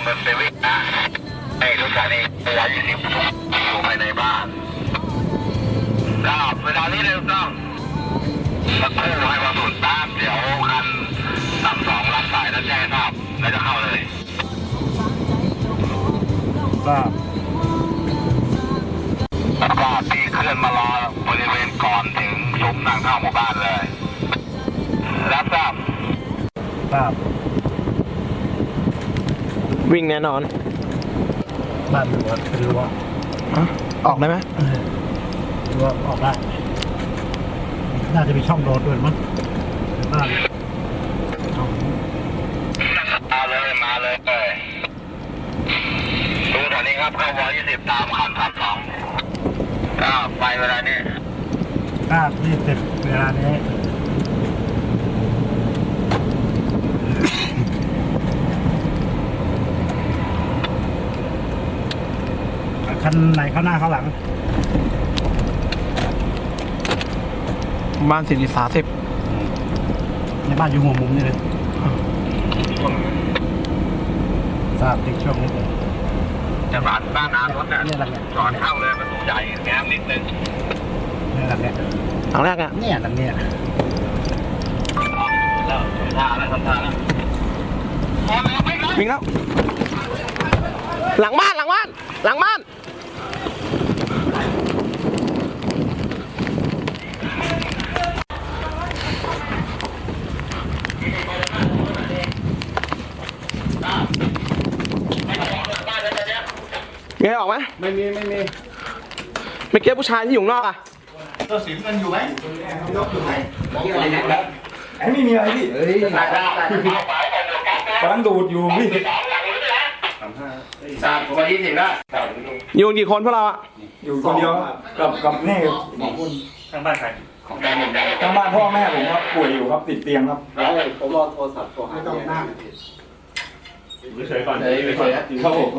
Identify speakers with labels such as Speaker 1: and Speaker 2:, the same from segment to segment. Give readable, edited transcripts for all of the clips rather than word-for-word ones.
Speaker 1: มันไปวิ่งนะไอ้รถคันนี้120อยู่ภายในบ้านก็เวลานี้เลยต้องสักครู่ให้มาสุดตามเดี๋ยวคัน32รับสายแล้วแจ้งทราบแล้วจะเข้าเลย
Speaker 2: ครับ
Speaker 1: แล้วก็พี่เคลื่อนมารอบริเวณก่อนถึงซุ้มทางเข้าหมู่บ้านเลยรับทราบ
Speaker 2: ครับ
Speaker 3: วิ่งแน่นอน
Speaker 2: บ้านรั้วเป็นรั้ว
Speaker 3: ออกได้ไหม
Speaker 2: รั้วออกได้น่าจะมีช่องโดดด้วยมั้งบ้าน
Speaker 1: มาเลยดูแถวนี้ครับเข้าว20ตามคัน32ก็ไปเวลานี้
Speaker 2: 20เวลานี้คันไหนเข้าหน้าเข้าหลัง
Speaker 3: บ้าน40
Speaker 2: ในบ้านอยู่หัวมุมนี่เลยทราบติดช่วงนี้เลย
Speaker 1: จะผ่านบ้านน้ำรถเนี่ยก่อนเข้าเลยประตูใหญ่แง้มนิดนึง
Speaker 2: นี่หลังเนี่ย
Speaker 3: หลังแรกอ่ะ
Speaker 2: เนี่ยหลังเนี่ย
Speaker 1: แล้วท่าแล้วทำท่าแล้ว
Speaker 3: วิ่งแล้วหลังบ้านมีใครออกไหม
Speaker 2: ไม่มี
Speaker 3: ไม่เก็บผู้ชายที่อยู่นอกอ่ะ
Speaker 2: ตัวสิมมันอยู่ไหมยกอยู่ไหมไอ้ไม่มีอะไรพี่กำลังดูดอยู่พี่
Speaker 1: 3ผม20แล้ว
Speaker 3: อยู่กี่คนพวกเราอ่ะ
Speaker 2: อยู่คนเดียวกับนี่
Speaker 1: ทางบ้านใครของการหนึ่ง
Speaker 2: ทางบ้านพ่อแม่ผมครับป่วยอยู่ครับติดเตียงครับ
Speaker 4: ผมรอโทรศัพท์โทรหาไม่ต้องนั่ง
Speaker 1: เฉยก่อน
Speaker 2: ครับผม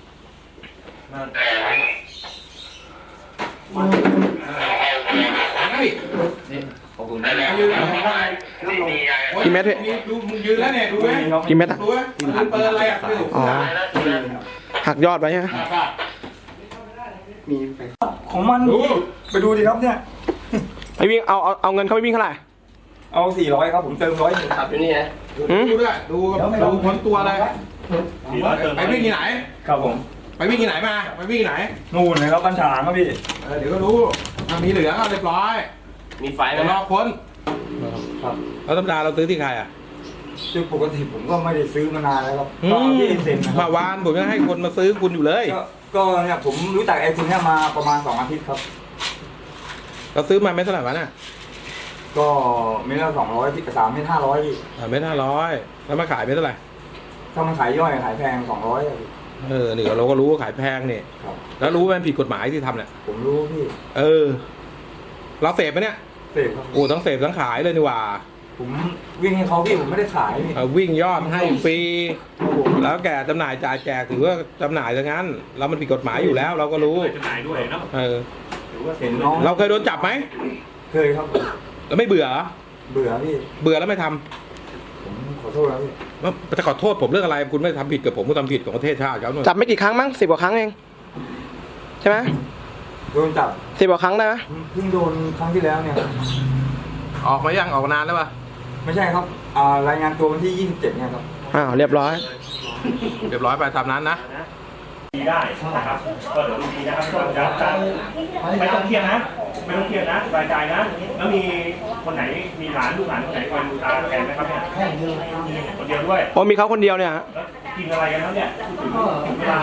Speaker 1: ขอบคุณได้แล้ว
Speaker 3: กี่เมตรพี่
Speaker 4: ดูมึงยืนแล้วเนี่ยดูไหม
Speaker 3: กี่เมตรอ่ะ
Speaker 4: ดูไหมเปิดอะไรอ่ะ
Speaker 3: อ๋อหักยอดไว้ใช่ไหม
Speaker 2: มีของมันไปดูดิครับเนี่ย
Speaker 3: ไปวิ่งเอาเงินเขาไปวิ่งเท่าไหร่
Speaker 2: เอา400ครับผมเติม100
Speaker 4: ขับอยู่นี่นะ
Speaker 1: ดูด้วยดูผลตัวอะไรไปวิ่งที่ไหน
Speaker 2: ครับผม
Speaker 1: ไปวิ่งที่ไหนมาไปวิ่งที่ไหน
Speaker 2: นู่นเลยครับบัญชาครับพี่
Speaker 1: เดี๋ยวก็รู้มีเหลืองเรียบร้อย
Speaker 4: มีไฟไหม
Speaker 1: รอค้น
Speaker 2: ครับ
Speaker 1: แล้วธรรมดาเราซื้อที่ใครอ่ะ
Speaker 2: คือปกติผมก็ไม่ได้ซื้อมานานแล้วครับก็ที่เซ็น
Speaker 1: มาวานผมยังให้คนมาซื้อคุณอยู่เลย
Speaker 2: ก็เนี่ยผมรู้จักไอ้คนนี้มาประมาณ2 อาทิตย์ครับ
Speaker 1: เราซื้อมาไม่เท่าไหร่วะน่ะ
Speaker 2: ก็เม็ดละ200ที่3 เม็ด500พี่
Speaker 1: เม็ด500แล้วมาขายไม่เท่าไหร่
Speaker 2: ถ้ามันขายย่อยขายแพง200
Speaker 1: นี่เราก็รู้ว่าขายแพงนี่แล้วรู้ว่ามันผิดกฎหมายที่ทำเนี่ย
Speaker 2: ผมรู้พี่
Speaker 1: เราเสพไหมเนี่ย
Speaker 2: เสพครับ
Speaker 1: โอ้ทั้งเสพทั้งขายเลยนี่ว่า
Speaker 2: ผมวิ่งให้เขาพี่ผมไม่ได้ขายพี่
Speaker 1: วิ่งยอดให้ฟรีแล้วแกจำหน่ายจ่ายแจกถือว่าจำหน่ายซะงั้นแล้วมันผิดกฎหมายอยู่แล้วเราก็รู้
Speaker 4: จำหน่ายด้วยเนาะ
Speaker 2: เห็นน้อง
Speaker 1: เราเคยโดนจับไหม
Speaker 2: เคยครับ
Speaker 1: แล้วไม่เบื่อ
Speaker 2: พี่
Speaker 1: เบื่อแล้วไม่ท
Speaker 2: ำผมขอโทษแล้วพี่
Speaker 1: จะขอโทษผมเรื่องอะไรคุณไม่ทำผิดกับผมก็ทำผิดของประเทศชาติเขา
Speaker 3: จับไม่กี่ครั้งมั้ง10 กว่าครั้งเองใช่ไหม
Speaker 2: โดนจับ
Speaker 3: 10 กว่าครั้งได้ไหม
Speaker 2: เพิ่งโดนครั้งที่แล้วเนี่ย
Speaker 1: ออกมายังออกนานแล้วป่ะ
Speaker 2: ไม่ใช่ครับรายงานตัววันที่27เนี่ยครับ
Speaker 3: เรียบร้อย
Speaker 1: ไปตามนั้นนะ
Speaker 4: ดีได้นะครับก็เดี๋ยวดูดีนะครับไม่ต้องเครียดนะสบายใจนะแล้วมีคนไหนมีลูกหลานคนไหนคอยดูตาแทนไหมครับเนี่ยคนเดียวด้วย
Speaker 3: โอ้มีเขาคนเดียวเนี่ยฮะ
Speaker 4: กินอะไรกันแล้วเนี่ยเวลา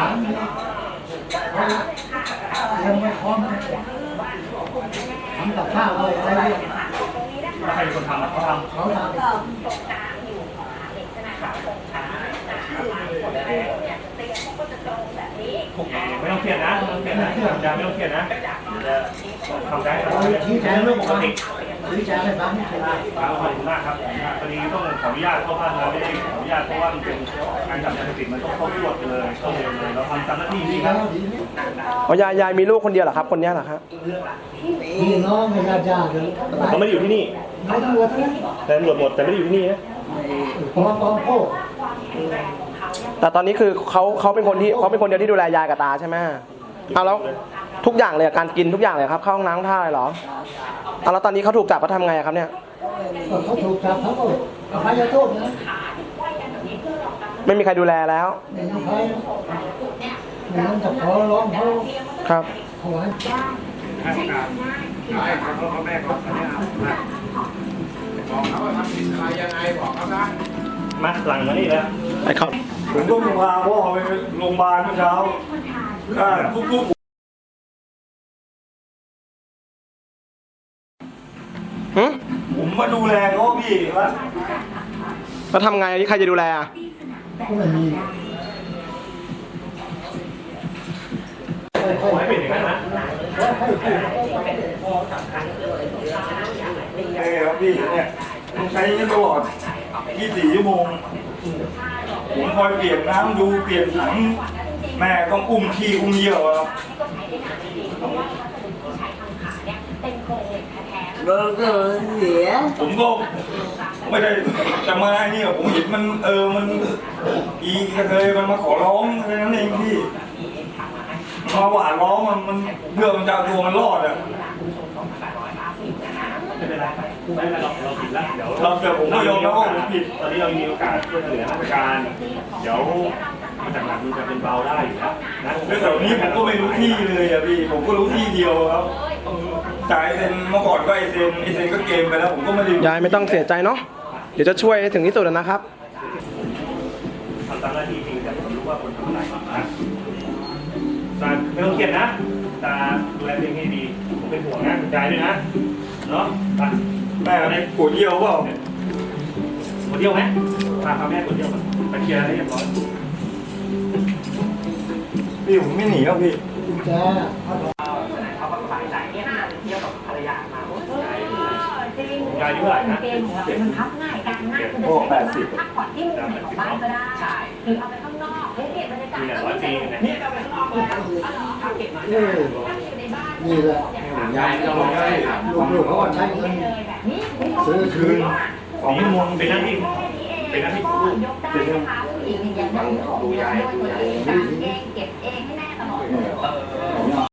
Speaker 2: ยังไม่พร้อมทำกับข้าวเลยอะไร
Speaker 4: ใครเป็นคนทำเขาทำไม่ต้องเครียดนะไม่ต้องเครียดนะทำได้
Speaker 2: ชี้แจงเรื่องปกติชี้แจงให้ฟัง
Speaker 4: ขอบคุณมากครับพอดีต้องขออนุญาตเข้าบ้านเราไม่ได้ขออนุญาตเพราะว่ามันเป็นการจับยาเสพติดมันต้องเข้าตรวจเลยต้องเลยเราทำตามหน้าที่นี่ครับ
Speaker 3: ยายมีลูกคนเดียวเหรอครับคนนี้เหรอครับ
Speaker 2: พี่น้องให้ญาติ
Speaker 4: เขาไม่ได้อยู่ที่นี่
Speaker 2: ตำรวจ
Speaker 4: แต่ตำรวจหมดแต่ไม่ได้อยู่ที่นี่นะ
Speaker 2: ผมโอ้
Speaker 3: แต่ตอนนี้คือเขาเป็นคนเดียวที่ดูแลยายกับตาใช่ไหมเอาแล้วทุกอย่างเลยการกินทุกอย่างเลยครับเข้าห้องน้ำท่าอะไรเหรอเอาแล้วตอนนี้เขาถูกจับเขาทำไงครับเนี่ย
Speaker 2: เขาถูกจับเขาก็อภัยโทษนะ
Speaker 3: ไม่มีใครดูแลแล้ว
Speaker 2: ไม่มีใครไม่ต้องจะขอร้องเขา
Speaker 3: ครับ
Speaker 2: เขาไว้
Speaker 4: มาหลังมานี่แล้ว
Speaker 3: ไอ้เขา
Speaker 4: ผมก็พาพ่อไปโรงพยาบาลเมื่อเช้าทุก
Speaker 3: หึ
Speaker 4: ผมมาดูแลเขาพี่ว่า
Speaker 3: แล้วทำไงที่ใครจะดูแลอ่ะ
Speaker 2: ก็ไม่มี
Speaker 4: ขอให้เป็นอย่างนั้นนะใช่ครับพี่เนี่ยต้องใช้ตลอด24 ชั่วโมงผมคอยเปลี่ยนน้ำดูเปลี่ยนถังแม่ต้องอุ้มขี้อุ้มเยี่ยวครับ
Speaker 5: ก็เสีย
Speaker 4: ผมก็ไม่ได้จะมาเนี่ยผมเห็นมันมันอีกระเทยมันมาขอร้องแค่นั้นเองพี่มาหวานร้องมันเพื่อมันจะเอาตัวมันรอดอ่ะไม่เป็นไรเราผิดแล้วเดี๋ยวผมก็ยอมรับว่าผมผิดตอนนี้เรามีโอกาสช่วยเหลือราชการเดี๋ยวมาจากหลังมันจะเป็นเบาได้อยู่แล้วนะแล้วแต่นี้ผมก็ไม่รู้ที่เลยอ่ะพี่ผมก็รู้ที่เดียวครับจ่ายเซ็นเมื่อก่อนก็ไอเซ็นก็เกมไปแล้วผมก็ไม่ได้
Speaker 3: ยายไม่ต้องเสียใจเนาะเดี๋ยวจะช่วยให้ถึงที่สุดนะครับ
Speaker 4: ทำตามหน้าที่จริงแต่ผมรู้ว่าคนทำอะไรนะตาไม่ต้องเครียดนะตาดูแลตัวเองให้ดีผมเป็นห่วงนะใจด้วยนะเนาะไปแม่อะไรปวดเยี่ยวเปล่าปวดเยี่ยวไหมพาแม่ปวดเยี่ยวมาไปเคลียร์ให้เรียบร้อยพี่ผมไม่หนีครับพี่
Speaker 2: จ้า
Speaker 4: ยายอายุเท่าไหร่นะ
Speaker 6: มันพับง่ายการง่ายคือจะใช้พักผ่อนที่มุมไหนของบ้านก็ได้หรือเอาไปข้างนอกเฮ้ยเก็บบรรยากาศ
Speaker 4: มี100 ปีนะ
Speaker 6: นี่เอาไปข้างนอกเลยในบ้าน
Speaker 2: นี่แหละยายลูกๆเขาก็ใช้เงินซื้อคืน
Speaker 4: ของมงเป็นหน้าที่เป็นหน้าที่ของลูก
Speaker 6: ยกได้นะคะผู้หญิงอย่างนั้นดูยายตัวเองเก็บเองให้แม่ตลอด